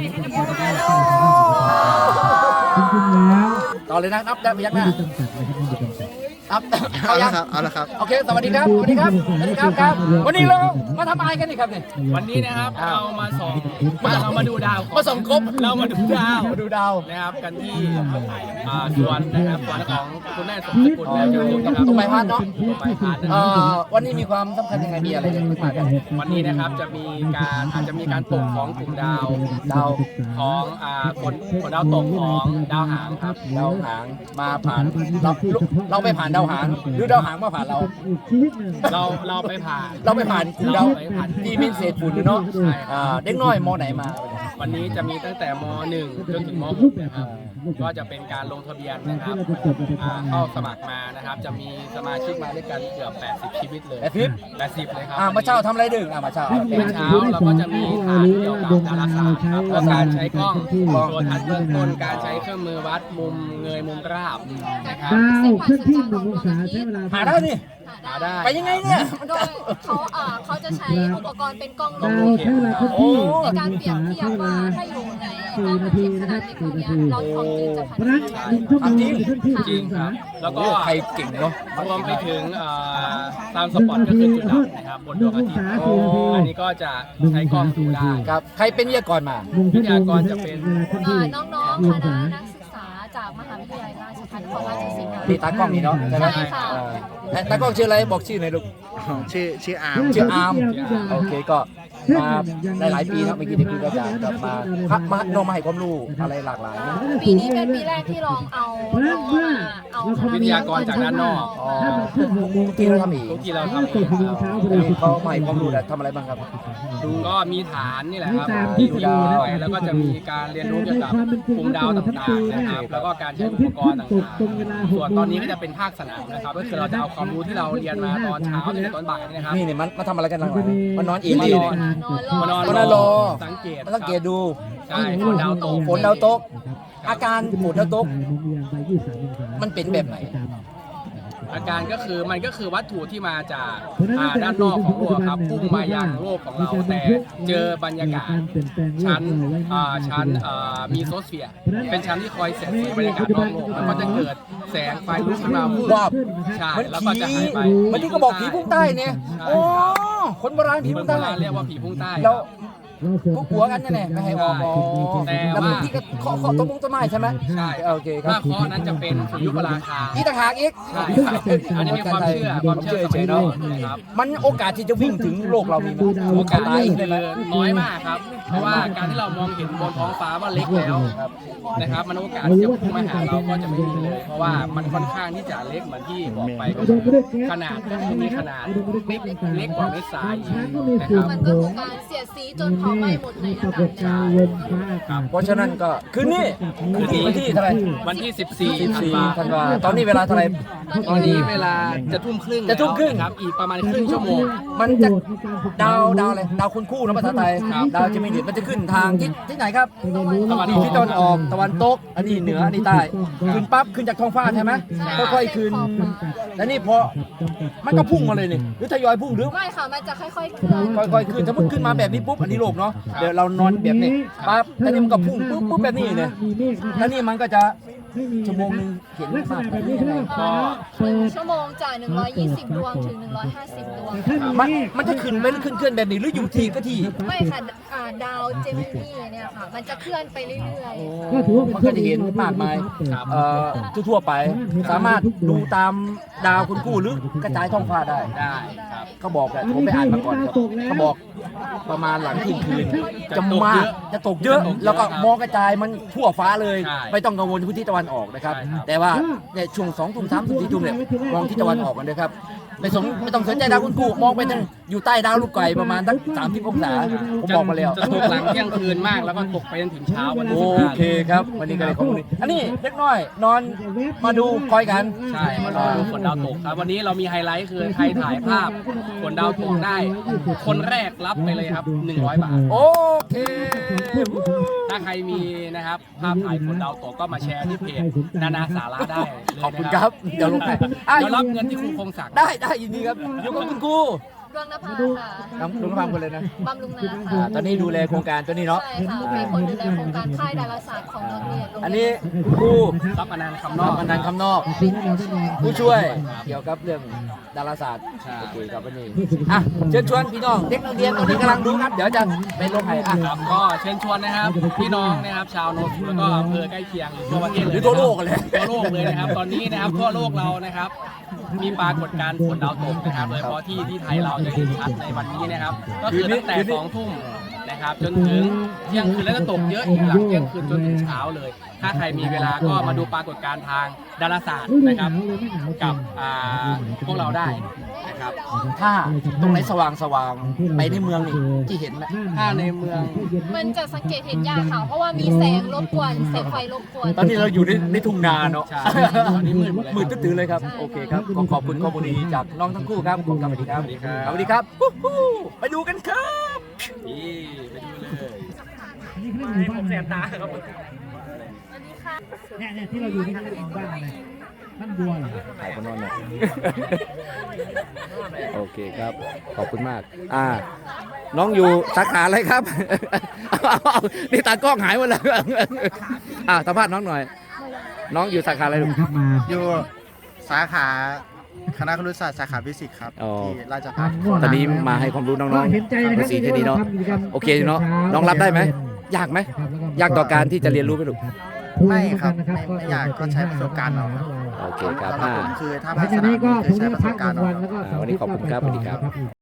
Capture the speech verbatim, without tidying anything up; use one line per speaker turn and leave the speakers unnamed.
ต่อเลยนะนับได้พยักหน้าครับ
เอาละครับเอาละครับ
โอเคสวัสดีครับสวัสดีครับสวัสดีครับครับวันนี้เรามาทำอะไรกันนี่ครับเนี่ย
วันนี้นะครับเรามาส่องมาเรามาดูดาว
มาส่องกบ
เรามาดูดาว
มาดูดาว
นะครับกันที่อ่าสวนนะครับสวนของคุณแม่สมศกุลและเจ้าคุณนะครับ
ตรงใบพัดเนาะ
ตรงใบพัดนะ
เอ่
ครับ
อวันนี้มีความสำคัญยังไงมีอะไรกันขึ้นมากัน
วันนี้นะครับจะมีการอาจจะมีการตกของกลุ่มดาว
ดาว
ของอ่าผลผลดาวตกของดาวหางครับ
ดาวหางมาผ่านเราเราไปผ่านดาวหางหรือดาวหางมาผ่านเรา
เราเราไปผ่าน
เราไปผ่านกลุ่มดาวที่เป็นเศษฝุ่นเนาะ
ใช่
อ่าเด็กน้อยมอไหนมา
วันนี้จะมีตั้งแต่ม หนึ่ง จนถึงม หก นะครับก็จะเป็นการลงทะเบียนนะครับอ่าเข้าสมัครมานะครับ จะมีสมาชิกมาด้วยกันเกือบแปดสิบชีวิตเลย
แปดสิบ
แปดสิบเลยครับ
อ่ามาเช้าทำอะไรดึกอ่ามาเช้า
เมื่อเช้าเราก็จะมีฐานเกี่ยวกับดาราศาสตร์ครับแล้วการใช้กล้องตัวทัศน์เบื้องต้นการใช้เครื่องมือวัดมุมเงยมุมราบนะครับ
ดาวเคลื่อนที่หนึ่งองศาใช้เวลา
หาได้นี่
หาได้
ไปยังไงเนี่ยมัน
โด
จะ
ยเขาเอ่อเขาจะใช้อุปกรณ์เป็นกล้อง
ดาว
ลง
ใช้เวลาเคลื่อน
โอ้
ที่
ในการเปรียบเทียบว่าถ้าอยู่ใน
สี่นาทีนะครับสี่นาที
เราของจริงจะ
เพ
ข
ราะ
นา
ฉะ
ด
นั้น
ไหน
หนึ่งชั่วโมงเคลื่อนที่ห
จ
นึ่
ริ
ง
ง
อง
ค
ศา
รับ แล้วก็
โอ้ใครเก่งเนาะ
รวมไปถึงเอ่อตามสปอตก็คือจุดดับนะครับบนดวงอาทิตย์
สี่นาที
อันนี้ก็จะใช้กล้องดูได้
ครับใครเป็นวิทยากรมา
หนึ่งชั่วโมง
วิทยากรจะเป็น
เวลาเคลื่อนที่
เอ่อน้องๆคณะนักศึกษาจากมหาวิทยาลัยราชภัฏของราชสีมา
ที่ตากล้องนี่เนาะใช่ไหม
ใช่ค่ะ
เออแต่ตากล้องชื่ออะไรบอกชื่อหน่อยลูก
ชื่อชื่ออาร์ม
ชื่ออาร์มโอเคก็มาได้หลายปีนะเมื่อกี้ที่คุยกับอาจารย์กลับมาพักมาโนมาให้ความรู้อะไรหลากหลายนะ
ปีนี้เป็นปีแรกที่ลองเอาน้องมาเอา
วิทยากรจากด้านนอก
อ๋อที่เราทำอีก
ทุกที่เราทำเอ
เปิด
ง
พลังเช้าพอ
อัน
ดี
นี้เขามาให้ความรู้นะทำอะไรบ้างครับ
ก็มีฐานนี่แหละครับ
ตาม
ที่
ทฤษ
ดู
ฎี
ดาว
นะ
แล้วก็จะมีการเรียนรู้เกี่ยวกับกลุ่มดาวต่างๆนะครับ แล้วก็การใช้อุปกรณ์ต่างๆ ส่วนตอนนี้ก็จะเป็นภาคสนามนะครับ ก็คือเราจะเอาความรู้ที่เราเรียนมาตอนเช้าจนถึงตอนบ่ายนี่นะครับ
นี่เนี่ยมันมาทำอะไรกันหลังๆมันนอนอีก
มา
ที
น
เนี่
อย น มานอน
มานอนรอ
สังเกต
มาสังเกตดู
ใช่ฝนดาวตก
ฝนดาวตก อาการฝนดาวตก มันเป็นแบบไหน
อาการก็คือมันก็คือวัตถุที่มาจากอ่าด้านนอกของโลกครับพุ่งมายังโลกของเราแต่เจอบรรยากาศชั้นอ่าชั้นอ่ามีโซสเฟียร์เป็นชั้นที่คอยเสียดสีบรรยากาศนอกโลกแล้วก็จะเกิดแสงไฟลุกขึ้นมาวูบ
วาบ
ใช่
มัน
แล้วก็
ผี
จะหายไป
มันที่ก็บอกผีพุ่งใต้เนี่ยโอ้คนโบราณผี
ผี
พุ่
พุ่
ง
ง
ใต้
ใต้เรียกว่าผีพุ่งใต้
แล้วพวกหัวกันเนี่ยแหละไม่ให้ออกอ๋อ
แต่
แล้ว
ว่า
บางทีก็เคาะเคาะต้นมงต้นไม้ใช่ไหม
ใช่
โอเคครั
ถ้า
บ
เคาะนั้นจะเป็นสุริยุปราคา
อีกต่างหากอีก
ใช่ครับอันนี้เป็นความเชื่อความเชื่อสมัยโบราณนะครับ
มันโอกาสที่จะวิ่งถึงโลกเรามีไหม
โอกาส
ตาย
นี้
ได้ไหม
คือน้อยมากครับ เพราะว่าการที่เรามองเห็นบนท้องฟ้าว่าเล็กแล้วนะครับ มันโอกาสที่จะพุ่งมาหาเราก็จะไม่มีเลย เพราะว่ามันค่อนข้างที่จะเล็กเหมือนที่บอกไปก็คือขนาดก็คือมีขนาดเล็กเล็กกว่าเม็ดทรายอีกนะครับ
มันก็คือการเสียดสีจนเผาไหม้หมดใน
ป
อา
รา
กาศ
กฏการณ์ลมฟ้าอากาศ
เพราะฉะนั้นก็คืนนี้คืนนี้วันที่เท่าไหร่
วันที่ สิบสี่ ธัน
สี่
วา
ธันวาตอนนี้เวลาเท่าไหร่
ตอนนี้เวลาจะทุ่มครึ่ง
จะทุ่มครึ่ง
แล้วครับ อีกประมาณครึ่งชั่วโมง
มันจะดาวดาวอะไรดาวคุณคู่นะภาษาไทย
ครับ
ดาวจะมีเดียมันจะขึ้นทางที่ที่ไหนครับ
ตะวันอ
ที่
อก
ที่ตะวันออกตะวันตกอันนี้เหนืออันนี้ใต้ขึ้นปั๊บขึ้นจากท้องฟ้าใช่ไหมค่อยๆขึ้นแล้วนี่พอมันก็พุ่งมาเลยนี่หรือทยอยพุ่งหรือ
ไม่ค่ะ มันจะค่อยๆเคลื่อน
ค่อยๆขึ้นสมมติขึ้นมาแบบนี้ปุ๊บอันนี้โลกเนาะเดี๋ยวเรานอนแบบนี้ปั๊บแล้วนี่มันก็พุ่งปุ๊บปุ๊บแบบนี้เนี่ยแล้วนี่มันก็จะชั่วโมงหนึงเห็น
ลักษ
มาก
ณะ
แบ
แบบ บ
นี้
นี้
ยังไง
เรียกว่าฟ้าเปิด
ชั่วโมงจากหนึ่งร้อยยี่สิบดวงถึงหนึ่งร้อยห้าสิบดวง
มันมันจะขึ้นไปหรือขึ้นเคลื่อนแบบนี้หรืออยู่ที่ก็ที่
ไม่ค่ะอ่าดาวเจมินีเนี่ยค่ะ มันจะเคลื่อนไปเรื่อยๆ
ก็ถือว่าเป็น
มันก็จะเห็นมากมายเอ่อทั่วๆไป สามารถดูตามดาวคุณคู่หรือกระจายท้องฟ้าได้
ได้ครับ
เขาบอกแหละผมไปอ่านมาก่อนครับเขาบอกประมาณหลังเที่ยงคืนจะมากจะตกเยอะ แล้วก็มองกระจายมันทั่วฟ้าเลย ไม่ต้องกังวลพื้นที่ตะวันออกนะครับ แต่ว่าเนี่ยช่วงสองทุ่มสามทุ่มสี่ทุ่มเนี่ยมองที่ตะวันออกกันเลยครับไม่สนไม่ต้องสนใจดาวคุณคู่มองไปทางอยู่ใต้ดาวลูกไก่ประมาณสักสามสิบองศาผมบอกมาแล้ว
จะตกหลังเที่ยงคืนมากแล้วก็ตกไปจนถึงเช้าวันที่
โอ
สิบห้า
เคครับ วันนี้ก็เลยข้อมูลนี้อันนี้เล็กน้อย นอนมาดูคอยกัน
ใช่มารอดูฝนดาวตกครับวันนี้เรามีไฮไลท์คือใครถ่ายภาพฝนดาวตกได้ คนแรกรับไปเลยครับหนึ่งร้อยบาท
โอเค
ถ้าใครมีนะครับภาพถ่ายฝนดาวตกก็มาแชร์ที่เพจนานาสาระได้เลย
ขอบคุณ
นะครับ
เดี๋ยวลงไปอ่ะ
เดี๋ยวรับเงินที่ครูคงศักดิ์
ได้ได้ยินดีครับ อยู่กับคุณครู
ดวงนภาค่ะ
น้ำลุงฟังกันเลยนะ
บำรุงนา
อ่า
ค่ะ
ตอนนี้ดูแลโครงการตัวนี้เนาะ
ใช่ค่ะเป็นคนดูแลโครงการค่ายดาราศาสตร์ของโรงเรียน
อันนี้ครู
รับอนันต์คำน
น
อ
อก กอนันต์คำนอก ผู้ช่วยเกี่ยวกับเรื่องดาราศาสตร์
ใช่
โอเคครับวันนี้อ่ะเชิญชวนพี่น้องเด็กนักเรียนตอนนี้กำลังดูครับ เดี๋ยวจะไปลงให้อ่ะ
ครับก็เชิญชวนนะครับพี่น้องนะครับชาวโนนทบุรีแล้วก็อำเภอใกล้เคียงหรือทั่วประเทศเลย
หรือทั่วโลกกันเลย
ทั่วโลกเลยนะครับ ตอนนี้นะครับทั่วโลกเรานะครับ มีปรากฏการณ์ฝนดาวตกนะครับโดยเฉพาะที่ที่ไทยเราจะเห็นชัดในวันนี้นะครับ ก็คือตั้งแต่สองทุ่มนะครับจนถึงเที่ยงคืนแล้วก็ตกเยอะอีกหลังเที่ยงคืนจนถึงเช้าเลย ถ้าใครมีเวลาก็มาดูปรากฏการณ์ทางดาราศาสตร์นะครับกับอ่าพวกเราได้นะครับ
ถ้าตรงไหนสว่างสว่างๆไปในเมืองนี่ที่เห็นนะ
ถ้าในเมือง
มันจะสังเกตเห็นยากค่ะ เพราะว่ามีแสงรบกวนแสงไฟรบกวน
ตอนนี้เราอยู่ในในทุ่งนาเนาะ
ใช่ตอนนี้มืดหมดเลย
มืดตื้อๆเลยครับ โอเคครับขอขอบคุณข้อมูลดีๆจากน้องทั้งคู่ครับขอบคุณครับสวัสดีครับสวัสดีครับฮู้ฮู้ไปดูกันครับ
นี่ไปดูเลย
นี่คือหมู่บ้านแสบตาครับเนี่ยเนี่ยที่เราอยู่นี่คือหมู่บ้านอะไรบ้านบัวเหรอ
ถ่ายคนนอนหน่อยโอเคครับ ขอบคุณมาก อ่า น้องอยู่สาขาอะไรครับเอาเอาเอานี่ตากล้องหายหมดแล้วอ่าสัมภาษณ์น้องหน่อย น้องอยู่สาขาอะไรลูก
ครับมา
อยู่สาขาคณะครุศาสตร์สาขาฟิสิกส์ครับ
อ๋อ
ที่ราชภัฏ
ตอนนี้มาให้ความรู้น้อง
เห็นใจนะ
ๆ
ค
ใน
รับ
สี่ที่นี้เนาะ โอเคเนาะ น้องรับได้ไหม ยากไหม ยากต่อการที่จะเรียนรู้ไหมลูก
ไม่ครับไม่ไม่อยากก็ใช้ประสบการณ์เอาครับ
โอเคครับ
สำหรับ
อ่า
ผมคือถ้า
หลั
ภาง คส
จาก
นาม
นี้ก็
คือ
ผม
ใช้
จะ
ประส
พัก
บ
ก
กา
ลาร ง
ณ์เอา
วันแล้วก็
อ่าวันนี้ขอบคุณครับสวัสดีครับ